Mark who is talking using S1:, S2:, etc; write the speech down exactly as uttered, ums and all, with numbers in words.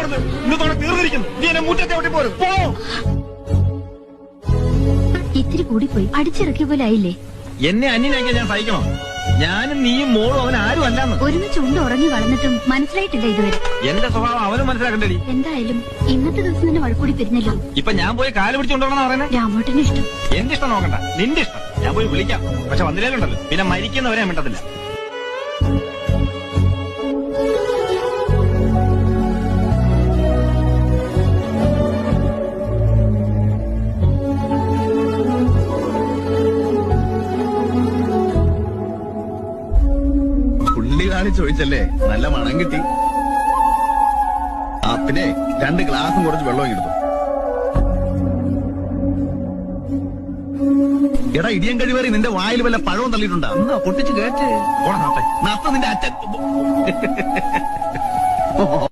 S1: കാണുന്നത്? ഇന്നത്തോടെ തീർന്നിരിക്കുന്നു. നീ എന്നെ മുറ്റത്തെ ഒട്ടി പോരും. പോ.
S2: ഇത്തിരി കൂടിപ്പോയി. അടിച്ചിറക്കിയ പോലെ ആയില്ലേ?
S1: എന്നെ അന്യനാക്കിയ ഞാൻ സഹിക്കണോ? ഞാനും നീയും മോളും അവൻ ആരും അല്ലാന്ന്.
S2: ഒരുമിച്ച് ഉണ്ട് ഉറങ്ങി വളർന്നിട്ടും മനസ്സിലായിട്ടില്ല ഇതുവരെ.
S1: എന്റെ സ്വഭാവം അവനും മനസ്സിലാക്കണ്ടേടി.
S2: എന്തായാലും ഇന്നത്തെ ദിവസം തന്നെ വഴക്കൂടി പിരിഞ്ഞല്ലോ.
S1: ഇപ്പൊ ഞാൻ പോയി കാല് പിടിച്ചുകൊണ്ടോണെന്നാ പറയുന്നത്?
S2: രാമോട്ടന് ഇഷ്ടം.
S1: എന്റെ ഇഷ്ടം നോക്കണ്ട, നിന്റെ ഇഷ്ടം. ഞാൻ പോയി വിളിക്കാം. പക്ഷെ വന്നില്ലേലുണ്ടല്ലോ പിന്നെ മരിക്കുന്നവരെ ഞാൻ മിണ്ടത്തില്ല.
S3: ചോദിച്ചല്ലേ, നല്ല മണം കിട്ടി. ആ പിന്നെ രണ്ട് ഗ്ലാസും കുറച്ച് വെള്ളവും എടുത്തു. എടാ ഇടിയൻ കഴിവേറി നിന്റെ വായിൽ വല്ല പഴവും തള്ളിയിട്ടുണ്ടാ? പൊട്ടിച്ച് കേട്ട് നത്ത നിന്റെ അച്ഛൻ.